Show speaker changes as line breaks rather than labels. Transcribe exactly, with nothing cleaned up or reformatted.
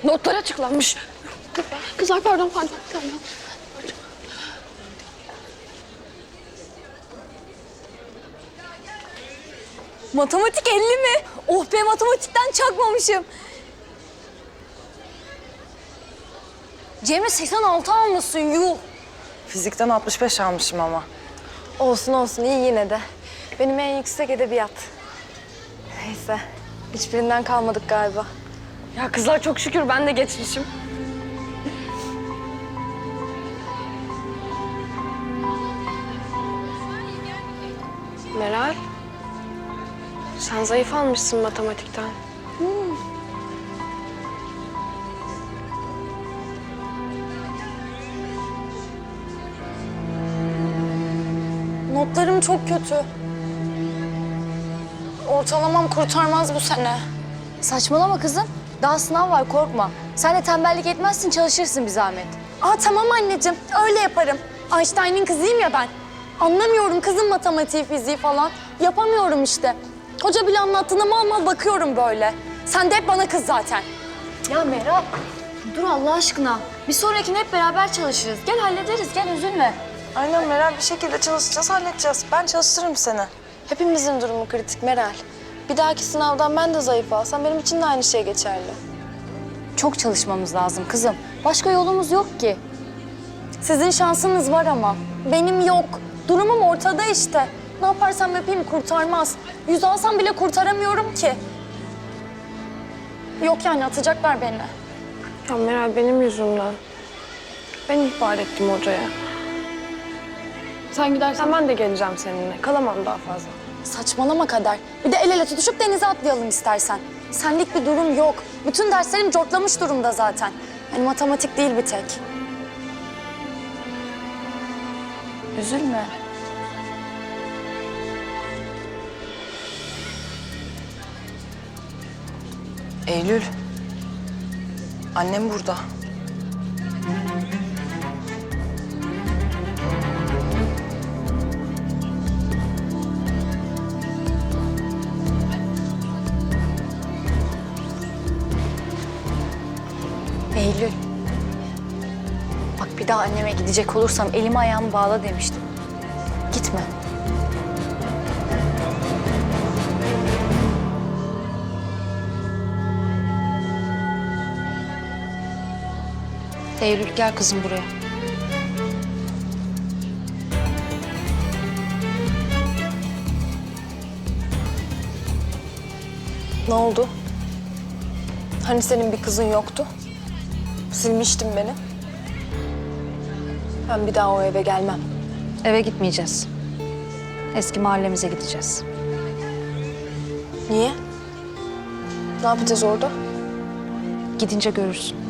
Notlar açıklanmış. Kızlar pardon pardon. pardon.
Matematik elli mi? Oh be, matematikten çakmamışım. Cemre seksen altı almışsın, yuh.
Fizikten altmış beş almışım ama.
Olsun olsun, iyi yine de. Benim en yüksek edebiyat. Neyse, hiçbirinden kalmadık galiba.
Ya kızlar çok şükür ben de geçmişim. Meral, sen zayıf almışsın matematikten.
Notlarım çok kötü. Ortalamam kurtarmaz bu sene. Saçmalama kızım. Daha sınav var, korkma. Sen de tembellik etmezsin, çalışırsın bir zahmet. Aa tamam anneciğim, öyle yaparım. Einstein'ın kızıyım ya ben. Anlamıyorum kızım matematiği, fiziği falan. Yapamıyorum işte. Hoca bile anlattığına mal mal bakıyorum böyle. Sen de hep bana kız zaten. Ya Meral, dur Allah aşkına. Bir sonrakine hep beraber çalışırız. Gel hallederiz, gel üzülme.
Aynen Meral, bir şekilde çalışacağız, halledeceğiz. Ben çalıştırırım seni.
Hepimizin durumu kritik Meral. Bir dahaki sınavdan ben de zayıf alsam benim için de aynı şey geçerli. Çok çalışmamız lazım kızım. Başka yolumuz yok ki. Sizin şansınız var ama benim yok. Durumum ortada işte. Ne yaparsam yapayım kurtarmaz. Yüz alsam bile kurtaramıyorum ki. Yok yani, atacaklar beni.
Ya Meral benim yüzümden. Ben ihbar ettim hocaya. Sen gidersen ben de geleceğim seninle. Kalamam daha fazla.
Saçmalama Kader. Bir de el ele tutuşup denize atlayalım istersen. Senlik bir durum yok. Bütün derslerim cortlamış durumda zaten. Yani matematik değil bir tek. Üzülme.
Eylül, annem burada.
Eylül. Bak bir daha anneme gidecek olursam elimi ayağımı bağla demiştim. Gitme. Eylül gel kızım buraya. Ne oldu? Hani senin bir kızın yoktu? Silmiştin beni. Ben bir daha o eve gelmem.
Eve gitmeyeceğiz. Eski mahallemize gideceğiz.
Niye? Ne yapacağız orada?
Gidince görürsün.